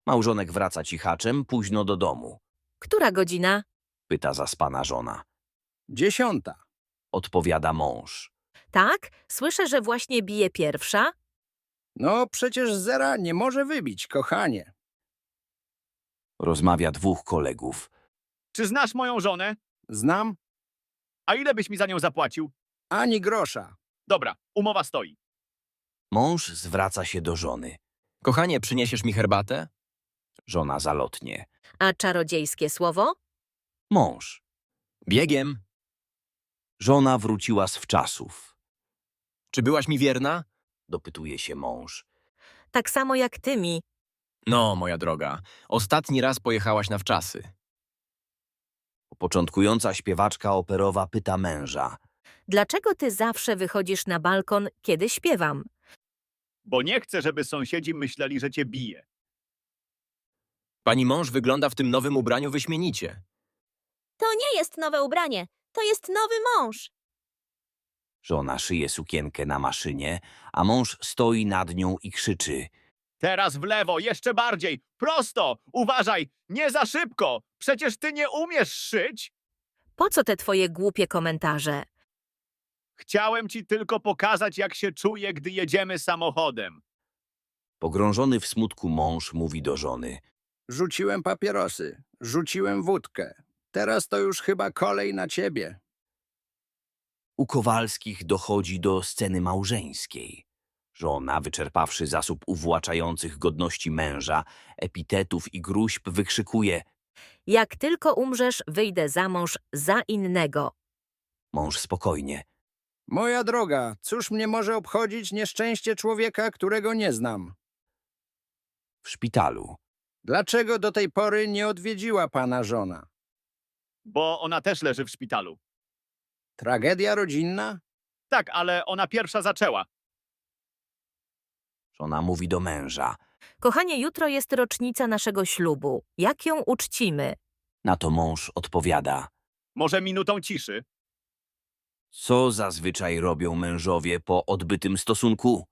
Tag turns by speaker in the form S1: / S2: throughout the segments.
S1: Małżonek wraca cichaczem późno do domu.
S2: Która godzina?
S1: Pyta zaspana żona.
S3: 10.
S1: Odpowiada mąż.
S2: Tak? Słyszę, że właśnie bije pierwsza.
S3: No przecież zera nie może wybić, kochanie.
S1: Rozmawia dwóch kolegów.
S4: Czy znasz moją żonę?
S3: Znam?
S4: A ile byś mi za nią zapłacił?
S3: Ani grosza.
S4: Dobra, umowa stoi.
S1: Mąż zwraca się do żony.
S5: Kochanie, przyniesiesz mi herbatę?
S1: Żona zalotnie.
S2: A czarodziejskie słowo?
S1: Mąż.
S5: Biegiem.
S1: Żona wróciła z wczasów.
S5: Czy byłaś mi wierna?
S1: Dopytuje się mąż.
S2: Tak samo jak ty mi.
S5: No, moja droga. Ostatni raz pojechałaś na wczasy.
S1: Początkująca śpiewaczka operowa pyta męża.
S2: Dlaczego ty zawsze wychodzisz na balkon, kiedy śpiewam?
S4: Bo nie chcę, żeby sąsiedzi myśleli, że cię bije.
S5: Pani mąż wygląda w tym nowym ubraniu wyśmienicie.
S6: To nie jest nowe ubranie, to jest nowy mąż.
S1: Żona szyje sukienkę na maszynie, a mąż stoi nad nią i krzyczy.
S4: Teraz w lewo, jeszcze bardziej. Prosto! Uważaj, nie za szybko! Przecież ty nie umiesz szyć!
S2: Po co te twoje głupie komentarze?
S4: Chciałem ci tylko pokazać, jak się czuję, gdy jedziemy samochodem.
S1: Pogrążony w smutku mąż mówi do żony.
S3: Rzuciłem papierosy, rzuciłem wódkę. Teraz to już chyba kolej na ciebie.
S1: U Kowalskich dochodzi do sceny małżeńskiej. Żona, wyczerpawszy zasób uwłaczających godności męża, epitetów i gróźb, wykrzykuje.
S2: Jak tylko umrzesz, wyjdę za mąż za innego.
S1: Mąż spokojnie.
S3: Moja droga, cóż mnie może obchodzić nieszczęście człowieka, którego nie znam?
S1: W szpitalu.
S3: Dlaczego do tej pory nie odwiedziła pana żona?
S4: Bo ona też leży w szpitalu.
S3: Tragedia rodzinna?
S4: Tak, ale ona pierwsza zaczęła.
S1: Żona mówi do męża.
S2: Kochanie, jutro jest rocznica naszego ślubu. Jak ją uczcimy?
S1: Na to mąż odpowiada.
S4: Może minutą ciszy?
S1: Co zazwyczaj robią mężowie po odbytym stosunku?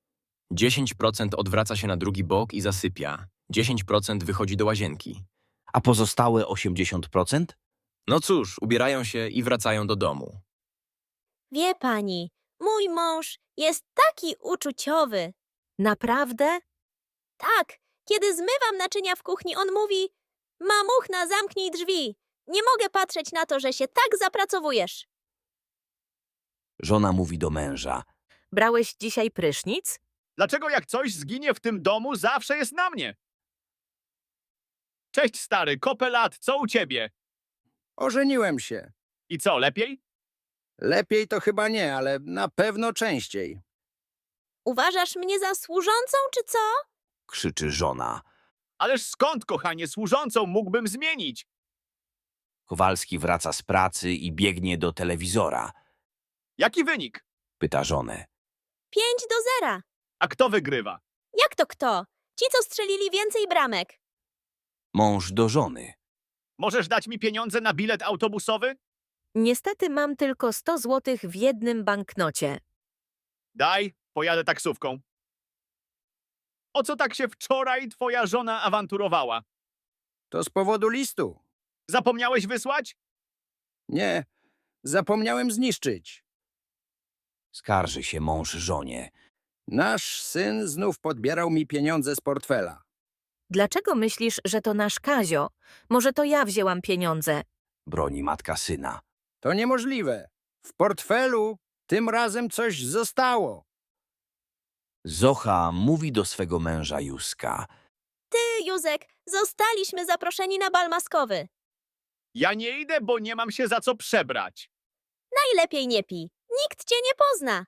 S5: 10% odwraca się na drugi bok i zasypia. 10% wychodzi do łazienki.
S1: A pozostałe 80%?
S5: No cóż, ubierają się i wracają do domu.
S6: Wie pani, mój mąż jest taki uczuciowy.
S2: Naprawdę?
S6: Tak, kiedy zmywam naczynia w kuchni, on mówi: Mamuchna, zamknij drzwi. Nie mogę patrzeć na to, że się tak zapracowujesz.
S1: Żona mówi do męża.
S2: Brałeś dzisiaj prysznic?
S4: Dlaczego jak coś zginie w tym domu, zawsze jest na mnie? Cześć stary, kopę lat, co u ciebie?
S3: Ożeniłem się.
S4: I co, lepiej?
S3: Lepiej to chyba nie, ale na pewno częściej.
S6: Uważasz mnie za służącą, czy co?
S1: Krzyczy żona.
S4: Ależ skąd, kochanie, służącą mógłbym zmienić?
S1: Kowalski wraca z pracy i biegnie do telewizora.
S4: Jaki wynik?
S1: Pyta żonę.
S6: 5-0.
S4: A kto wygrywa?
S6: Jak to kto? Ci, co strzelili więcej bramek.
S1: Mąż do żony.
S4: Możesz dać mi pieniądze na bilet autobusowy?
S2: Niestety mam tylko 100 złotych w jednym banknocie.
S4: Daj, pojadę taksówką. O co tak się wczoraj twoja żona awanturowała?
S3: To z powodu listu.
S4: Zapomniałeś wysłać?
S3: Nie, zapomniałem zniszczyć.
S1: Skarży się mąż żonie.
S3: Nasz syn znów podbierał mi pieniądze z portfela.
S2: Dlaczego myślisz, że to nasz Kazio? Może to ja wzięłam pieniądze?
S1: Broni matka syna.
S3: To niemożliwe. W portfelu tym razem coś zostało.
S1: Zocha mówi do swego męża Józka.
S6: Ty, Józek, zostaliśmy zaproszeni na bal maskowy.
S4: Ja nie idę, bo nie mam się za co przebrać.
S6: Najlepiej nie pij. Nikt cię nie pozna.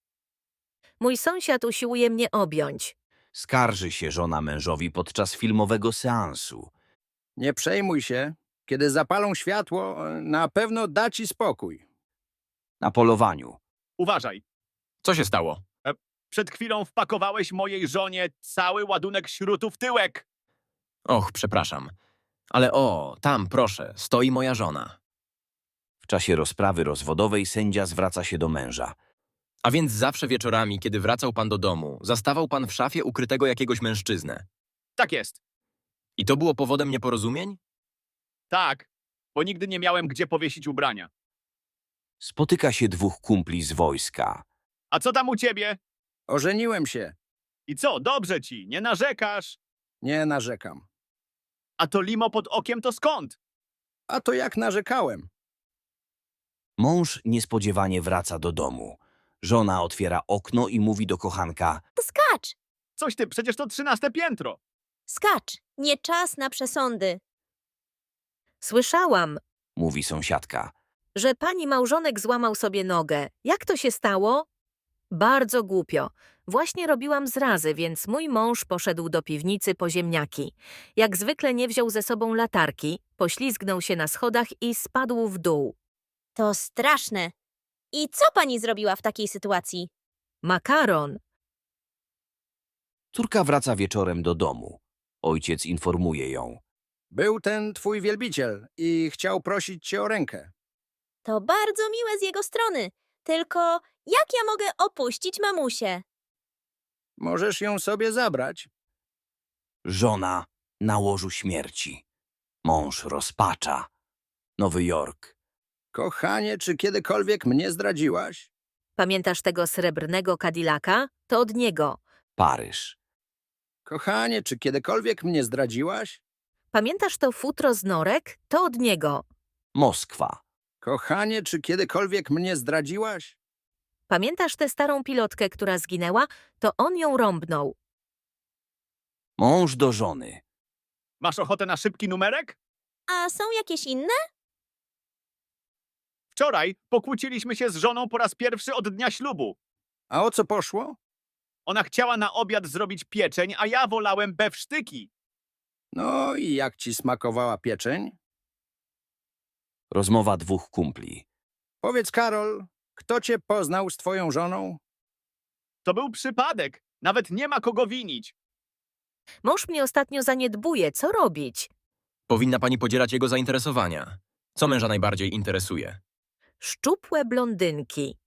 S2: Mój sąsiad usiłuje mnie objąć.
S1: Skarży się żona mężowi podczas filmowego seansu.
S3: Nie przejmuj się. Kiedy zapalą światło, na pewno da ci spokój.
S1: Na polowaniu.
S4: Uważaj,
S5: Co się stało?
S4: przed chwilą wpakowałeś mojej żonie cały ładunek śrutu w tyłek.
S5: Och, przepraszam. Ale o, tam, proszę, stoi moja żona.
S1: W czasie rozprawy rozwodowej sędzia zwraca się do męża.
S5: A więc zawsze wieczorami, kiedy wracał pan do domu, zastawał pan w szafie ukrytego jakiegoś mężczyznę.
S4: Tak jest.
S5: I to było powodem nieporozumień?
S4: Tak, bo nigdy nie miałem gdzie powiesić ubrania.
S1: Spotyka się dwóch kumpli z wojska.
S4: A co tam u ciebie?
S3: Ożeniłem się.
S4: I co, dobrze ci, nie narzekasz?
S3: Nie narzekam.
S4: A to limo pod okiem to skąd?
S3: A to jak narzekałem?
S1: Mąż niespodziewanie wraca do domu. Żona otwiera okno i mówi do kochanka.
S6: To skacz,
S4: Coś ty, przecież to 13 piętro.
S6: skacz. Nie czas na przesądy.
S2: Słyszałam,
S1: Mówi sąsiadka.
S2: że pani małżonek złamał sobie nogę. Jak to się stało? Bardzo głupio. Właśnie robiłam zrazy, więc mój mąż poszedł do piwnicy po ziemniaki. Jak zwykle nie wziął ze sobą latarki, poślizgnął się na schodach i spadł w dół.
S6: To straszne. I co pani zrobiła w takiej sytuacji?
S2: Makaron.
S1: Córka wraca wieczorem do domu. Ojciec informuje ją.
S3: Był ten twój wielbiciel i chciał prosić cię o rękę.
S6: To bardzo miłe z jego strony. Tylko jak ja mogę opuścić mamusię?
S3: Możesz ją sobie zabrać.
S1: Żona na łożu śmierci. Mąż rozpacza. Nowy Jork.
S3: Kochanie, czy kiedykolwiek mnie zdradziłaś?
S2: Pamiętasz tego srebrnego Cadillaca? To od niego.
S1: Paryż.
S3: Kochanie, czy kiedykolwiek mnie zdradziłaś?
S2: Pamiętasz to futro z norek? To od niego.
S1: Moskwa.
S3: Kochanie, czy kiedykolwiek mnie zdradziłaś?
S2: Pamiętasz tę starą pilotkę, która zginęła? To on ją rąbnął.
S1: Mąż do żony.
S4: Masz ochotę na szybki numerek?
S6: A są jakieś inne?
S4: Wczoraj pokłóciliśmy się z żoną po raz pierwszy od dnia ślubu.
S3: A o co poszło?
S4: Ona chciała na obiad zrobić pieczeń, a ja wolałem bewsztyki.
S3: No i jak ci smakowała pieczeń?
S1: Rozmowa dwóch kumpli.
S3: Powiedz, Karol, kto cię poznał z twoją żoną?
S4: To był przypadek. Nawet nie ma kogo winić.
S2: Mąż mnie ostatnio zaniedbuje. Co robić?
S5: Powinna pani podzielać jego zainteresowania. Co męża najbardziej interesuje?
S2: Szczupłe blondynki.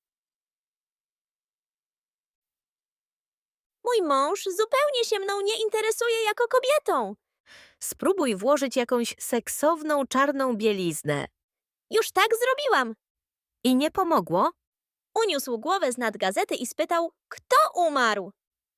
S6: Mój mąż zupełnie się mną nie interesuje jako kobietą.
S2: Spróbuj włożyć jakąś seksowną czarną bieliznę.
S6: Już tak zrobiłam.
S2: I nie pomogło?
S6: Uniósł głowę z nad gazety i spytał, kto umarł.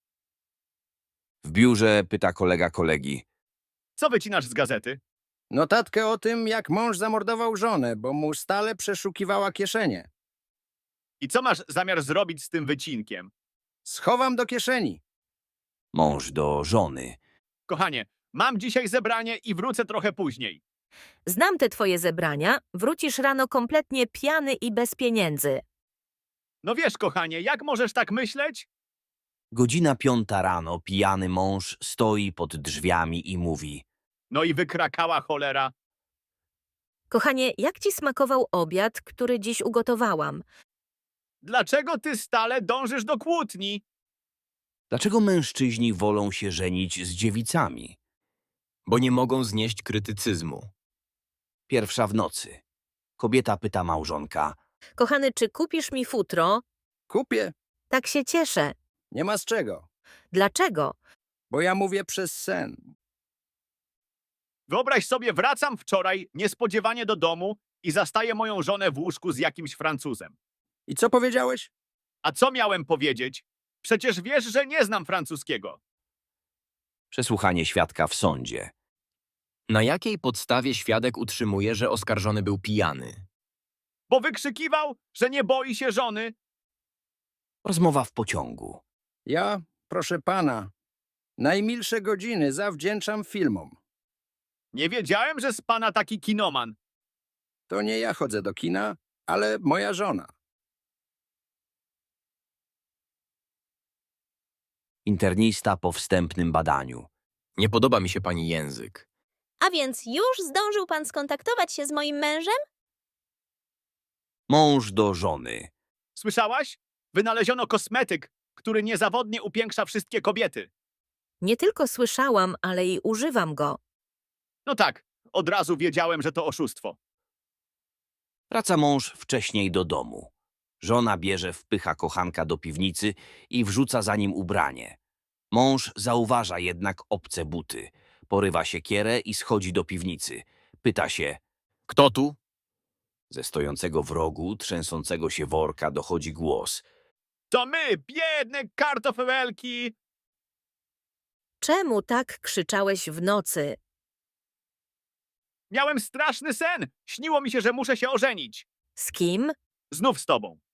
S1: W biurze pyta kolega kolegi.
S4: Co wycinasz z gazety?
S3: Notatkę o tym, jak mąż zamordował żonę, bo mu stale przeszukiwała kieszenie.
S4: I co masz zamiar zrobić z tym wycinkiem?
S3: Schowam do kieszeni.
S1: Mąż do żony.
S4: Kochanie, mam dzisiaj zebranie i wrócę trochę później.
S2: Znam te twoje zebrania. Wrócisz rano kompletnie pijany i bez pieniędzy.
S4: No wiesz, kochanie, jak możesz tak myśleć?
S1: Godzina 5 rano pijany mąż stoi pod drzwiami i mówi.
S4: No i wykrakała cholera.
S2: Kochanie, jak ci smakował obiad, który dziś ugotowałam?
S4: Dlaczego ty stale dążysz do kłótni?
S1: Dlaczego mężczyźni wolą się żenić z dziewicami?
S5: Bo nie mogą znieść krytycyzmu.
S1: Pierwsza w nocy. Kobieta pyta małżonka.
S2: Kochany, czy kupisz mi futro?
S3: Kupię.
S2: Tak się cieszę.
S3: Nie ma z czego.
S2: Dlaczego?
S3: Bo ja mówię przez sen.
S4: Wyobraź sobie, wracam wczoraj niespodziewanie do domu i zastaję moją żonę w łóżku z jakimś Francuzem.
S3: I co powiedziałeś?
S4: A co miałem powiedzieć? Przecież wiesz, że nie znam francuskiego.
S1: Przesłuchanie świadka w sądzie.
S5: Na jakiej podstawie świadek utrzymuje, że oskarżony był pijany?
S4: Bo wykrzykiwał, że nie boi się żony.
S1: Rozmowa w pociągu.
S3: Ja, proszę pana, najmilsze godziny zawdzięczam filmom.
S4: Nie wiedziałem, że z pana taki kinoman.
S3: To nie ja chodzę do kina, ale moja żona.
S1: Internista po wstępnym badaniu.
S5: Nie podoba mi się pani język.
S6: A więc już zdążył pan skontaktować się z moim mężem?
S1: Mąż do żony.
S4: Słyszałaś? Wynaleziono kosmetyk, który niezawodnie upiększa wszystkie kobiety.
S2: Nie tylko słyszałam, ale i używam go.
S4: No tak, od razu wiedziałem, że to oszustwo.
S1: Wraca mąż wcześniej do domu. Żona wpycha kochanka do piwnicy i wrzuca za nim ubranie. Mąż zauważa jednak obce buty. Porywa siekierę i schodzi do piwnicy. Pyta się.
S5: Kto tu?
S1: Ze stojącego w rogu, trzęsącego się worka dochodzi głos.
S4: To my, biedne kartofelki!
S2: Czemu tak krzyczałeś w nocy?
S4: Miałem straszny sen! Śniło mi się, że muszę się ożenić.
S2: Z kim?
S4: Znów z tobą.